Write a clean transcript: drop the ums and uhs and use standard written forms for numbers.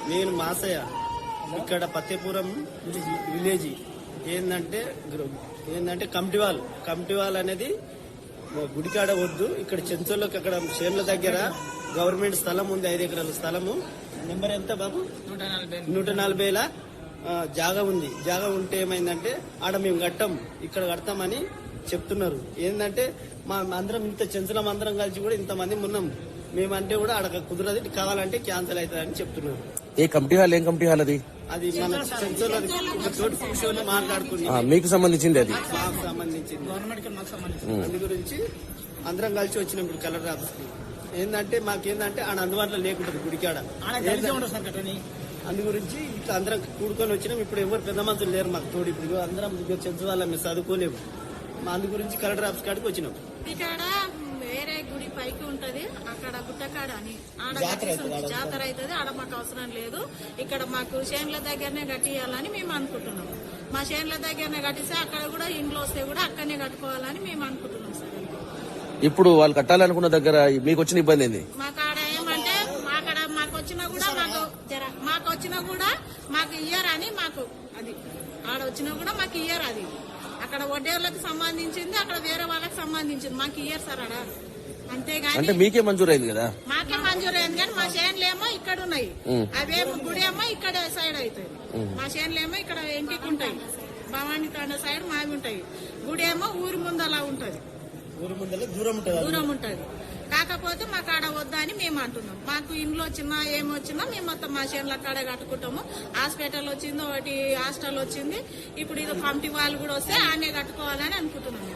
నేను మాసయ్య ఇక్కడ పత్తేపురం విలేజ్ ఏంటంటే కమిటీవాల్ అనేది గుడికాడ వద్దు. ఇక్కడ చెంచోళ్ళకి అక్కడ చేన్ల దగ్గర గవర్నమెంట్ స్థలం ఉంది, 5 ఎకరాల స్థలము. నెంబర్ ఎంత బాబు? 140 జాగా ఉంది. జాగా ఉంటే ఏమైందంటే ఆడ మేము కట్టాం, ఇక్కడ కడతామని చెప్తున్నారు. ఏంటంటే మా అందరం ఇంత చెంచలం అందరం కలిసి కూడా ఇంతమంది ఉన్నాం. మేమంటే కూడా ఆడ కుదరదు, కావాలంటే క్యాన్సిల్ అవుతుందని చెప్తున్నారు. ఏ కమిటీ హాల్? ఏం కమిటీ హాల్ అది? అది మన చెంచోళ్ళది తోటి కూర్చొని మాట్లాడుకుని మీకు సంబంధించింది, అది మాకు సంబంధించింది. అందు గురించి అందరం కలిసి వచ్చినాం ఇప్పుడు కలెక్టర్ ఆఫీస్ కి. ఏంటంటే మాకేందంటే ఆడ అందుబాటులో లేకుంటది గుడికాడ. అందు గురించి ఇట్లా అందరం కూడుకొని వచ్చినాం. ఇప్పుడు ఎవరు పెద్ద మనుషులు లేరు మాకు తోడు. ఇప్పుడు అందరం చెంచు వాళ్ళం, మేము చదువుకోలేము. అందు గురించి కలెక్టర్ ఆఫీస్ కాడికి వచ్చినాం. ఇక్కడ వేరే గుడి పైకి ఉంటది, అక్కడ గుట్టకాడ అని జాతర అవుతుంది. ఆడ మాకు అవసరం లేదు, ఇక్కడ మాకు చేన్ల దగ్గరనే కట్టియాలని మేము అనుకుంటున్నాం. మా చేన్ల దగ్గరనే కట్టిస్తే అక్కడ కూడా ఇంట్లో వస్తే కూడా అక్కడనే కట్టుకోవాలని మేము అనుకుంటున్నాం సార్. ఇప్పుడు వాళ్ళు కట్టాలనుకున్న దగ్గర మీకు వచ్చిన ఇబ్బంది ఏంది? మాకాడ ఏమంటే మాకు వచ్చినా కూడా మాకు ఇయ్యర్ అని, మాకు అది ఆడ వచ్చినా కూడా మాకు ఇయ్యర్. అది అక్కడ వడ్డేర్లకు సంబంధించింది, అక్కడ వేరే వాళ్ళకి సంబంధించింది, మాకు ఇయ్యర్ సార్ ఆడ. అంతేగాని అంటే మీకే మంజూరైంది కదా? మాకే మంజూరైంది కానీ మా చేనులేమో ఇక్కడ ఉన్నాయి, అవేమో గుడేమో ఇక్కడ సైడ్ అవుతాయి. మా చేనులేమో ఇక్కడ ఇంటికి ఉంటాయి, భవానీ తండ సైడ్ మావి ఉంటాయి. గుడేమో ఊరి ముందలా ఉంటది, దూరం ఉంటది. కాకపోతే మాకు ఆడ వద్దా అని మేము అంటున్నాం. మాకు ఇంట్లో వచ్చినా ఏమొచ్చినా మేము మొత్తం మా చేనుల కాడ కట్టుకుంటాము. హాస్పిటల్ వచ్చింది, ఒకటి హాస్టల్ వచ్చింది, ఇప్పుడు ఇది కమిటీ వాళ్ళు కూడా వస్తే ఆనే కట్టుకోవాలని అనుకుంటున్నాం.